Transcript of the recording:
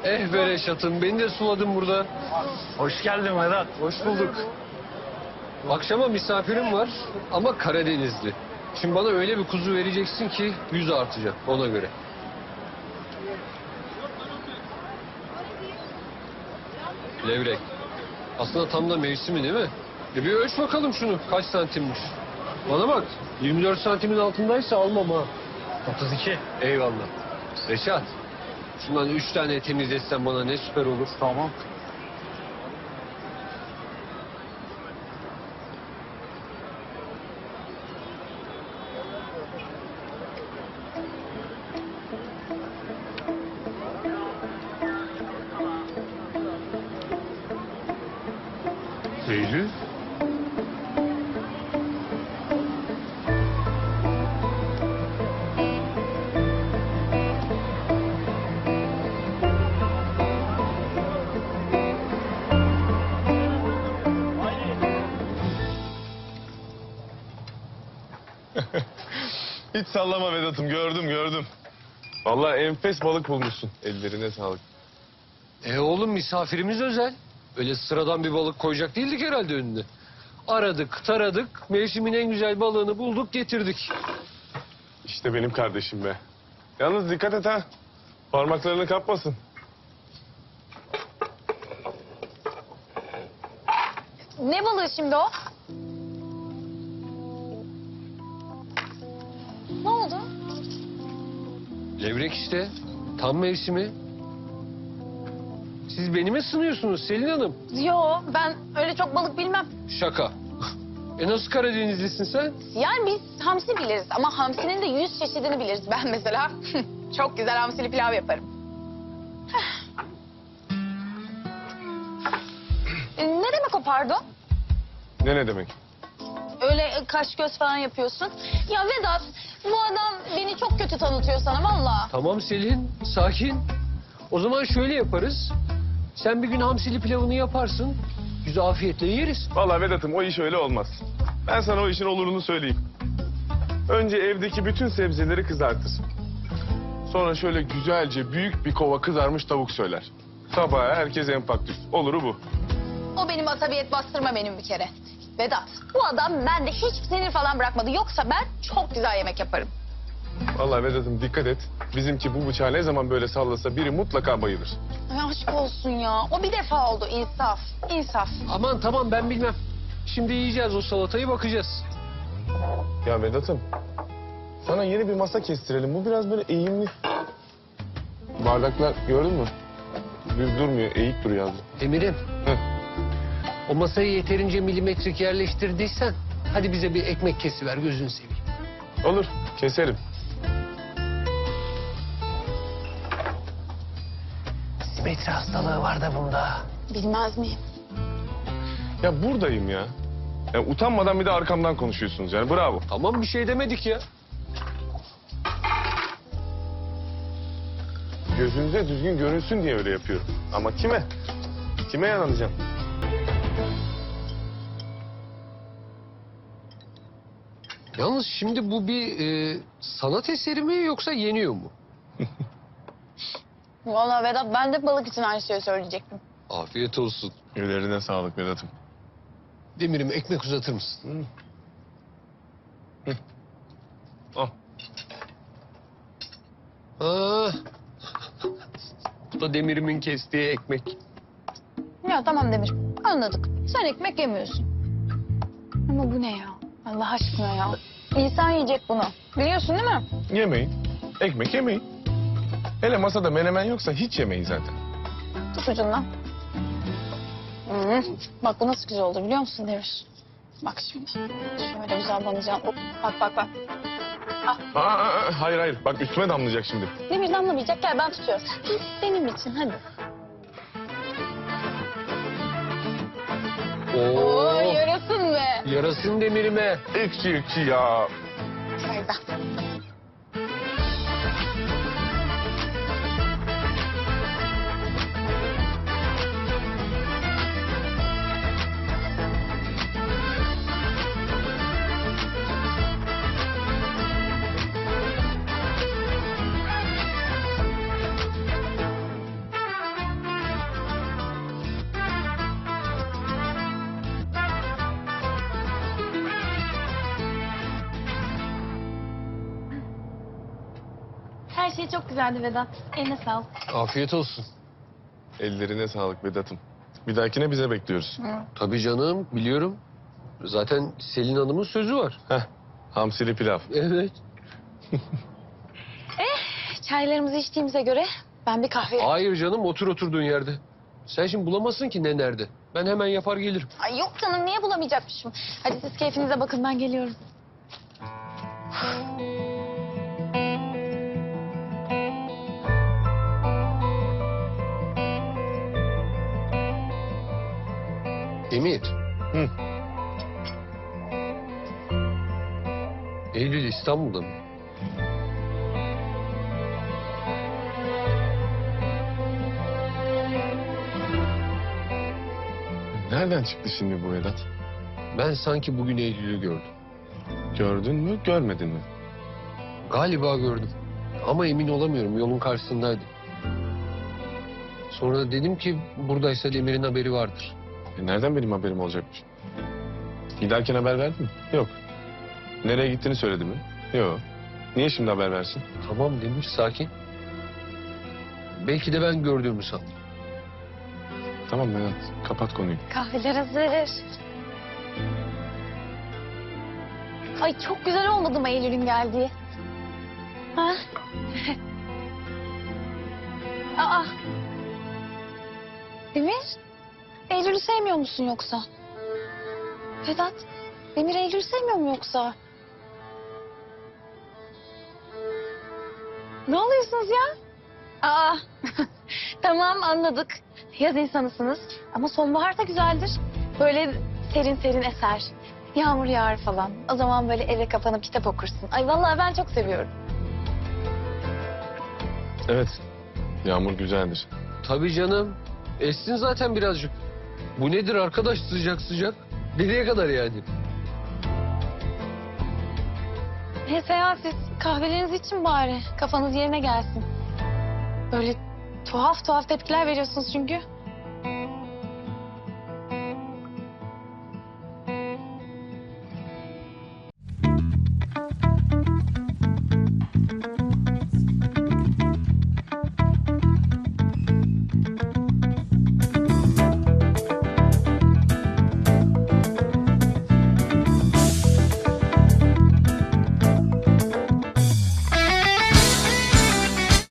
Eh be Reşat'ım, beni de suladın burada. Hoş geldin Vedat. Hoş bulduk. Akşama misafirim var ama Karadenizli. Şimdi bana öyle bir kuzu vereceksin ki 100 artacak ona göre. Levrek. Aslında tam da mevsimi değil mi? Bir ölç bakalım şunu kaç santimmiş. Bana bak 24 santimin altındaysa almam ha. 32. Eyvallah. Reşat. Şundan 3 tane temizletsen bana ne süper olur. Tamam. Eylül. Hiç sallama Vedat'ım, gördüm. Vallahi enfes balık bulmuşsun. Ellerine sağlık. Oğlum misafirimiz özel. Öyle sıradan bir balık koyacak değildik herhalde önüne. Aradık, taradık, mevsimin en güzel balığını bulduk, getirdik. İşte benim kardeşim be. Yalnız dikkat et ha. Parmaklarını kapmasın. Ne balığı şimdi o? Ne oldu? Levrek işte, tam mevsimi. Siz beni mi sınıyorsunuz Selin Hanım? Yo, ben öyle çok balık bilmem. Şaka. Nasıl Karadenizlisin sen? Yani biz hamsi biliriz ama hamsinin de 100 çeşidini biliriz. Ben mesela çok güzel hamsili pilav yaparım. Ne demek o pardon? Ne demek? Öyle kaş göz falan yapıyorsun. Ya Vedat, bu adam beni çok kötü tanıtıyor sana vallahi. Tamam Selin, sakin. O zaman şöyle yaparız. Sen bir gün hamsili pilavını yaparsın. Biz afiyetle yeriz. Vallahi Vedat'ım o iş öyle olmaz. Ben sana o işin olurunu söyleyeyim. Önce evdeki bütün sebzeleri kızartır. Sonra şöyle güzelce büyük bir kova kızarmış tavuk söyler. Sabaha herkes enfaktif. Oluru bu. O benim asabiyet bastırma benim bir kere. Vedat, bu adam bende hiç sinir falan bırakmadı. Yoksa ben çok güzel yemek yaparım. Vallahi Vedat'ım dikkat et. Bizimki bu bıçağı ne zaman böyle sallasa biri mutlaka bayılır. Ay aşk olsun ya. O bir defa oldu. İnsaf. İnsaf. Aman tamam ben bilmem. Şimdi yiyeceğiz o salatayı bakacağız. Ya Vedat'ım sana yeni bir masa kestirelim. Bu biraz böyle eğimli. Bardaklar gördün mü? Düz durmuyor, eğik duruyor az. Emir'im. Hı. O masayı yeterince milimetrik yerleştirdiysen hadi bize bir ekmek kesiver gözünü seveyim. Olur, keserim. Simetri hastalığı var da bunda. Bilmez miyim? Ya buradayım ya. Ya utanmadan bir de arkamdan konuşuyorsunuz yani bravo. Tamam bir şey demedik ya. Gözünüze düzgün görünsün diye öyle yapıyorum. Ama kime? Kime yanılacağım? Yalnız şimdi bu bir sanat eseri mi yoksa yeniyor mu? Vallahi Vedat ben de balık için aynı şeyi söyleyecektim. Afiyet olsun. Ellerine sağlık Vedat'ım. Demir'im ekmek uzatır mısın? Al. Ah. Bu da Demir'imin kestiği ekmek. Ya tamam Demir. Anladık. Sen ekmek yemiyorsun. Ama bu ne ya? Allah aşkına ya. İnsan yiyecek bunu. Biliyorsun değil mi? Yemeyin. Ekmek yemeyin. Hele masada menemen yoksa hiç yemeyin zaten. Tut ucundan. Hı. Bak bu nasıl güzel oldu biliyor musun Demir? Bak şimdi. Şöyle güzel banacağım. Hop, bak bak bak. Hayır. Bak üstüme damlayacak şimdi. Demir damlamayacak. Gel ben tutuyorum. Benim için hadi. Oo yarasın be. Yarasın Demir'ime. Ekşi ya. Hayır ben. Her şey çok güzeldi Vedat. Eline sağlık. Afiyet olsun. Ellerine sağlık Vedat'ım. Bir dahakine bize bekliyoruz. Tabii canım, biliyorum. Zaten Selin Hanım'ın sözü var. Heh, hamsili pilav. Evet. Çaylarımızı içtiğimize göre ben bir kahve... Hayır canım, otur oturduğun yerde. Sen şimdi bulamazsın ki ne nerede. Ben hemen yapar gelirim. Ay yok canım, niye bulamayacakmışım? Hadi siz keyfinize bakın, ben geliyorum. Emir. Hı. Eylül İstanbul'da mı? Nereden çıktı şimdi bu Vedat? Ben sanki bugün Eylül'ü gördüm. Gördün mü, görmedin mi? Galiba gördüm. Ama emin olamıyorum. Yolun karşısındaydı. Sonra dedim ki buradaysa Demir'in haberi vardır. Nereden benim haberim olacakmış? Giderken haber verdin mi? Yok. Nereye gittiğini söyledi mi? Yok. Niye şimdi haber versin? Tamam Demir, sakin. Belki de ben gördüğümü sandım. Tamam Vedat, kapat konuyu. Kahveler hazır. Ay çok güzel olmadı mı Eylül'ün geldiği? Ha? Aa. Demir, Eylül'ü sevmiyor musun yoksa? Vedat, Demir Eylül'ü sevmiyor mu yoksa? Ne oluyorsunuz ya? Aa, tamam anladık. Yaz insanısınız ama sonbahar da güzeldir. Böyle serin serin eser. Yağmur yağar falan. O zaman böyle eve kapanıp kitap okursun. Ay vallahi ben çok seviyorum. Evet, yağmur güzeldir. Tabii canım. Essin zaten birazcık. Bu nedir arkadaş, sıcak sıcak? Nereye kadar yani? Neyse ya, siz kahvelerinizi için bari. Kafanız yerine gelsin. Böyle tuhaf tuhaf tepkiler veriyorsunuz çünkü.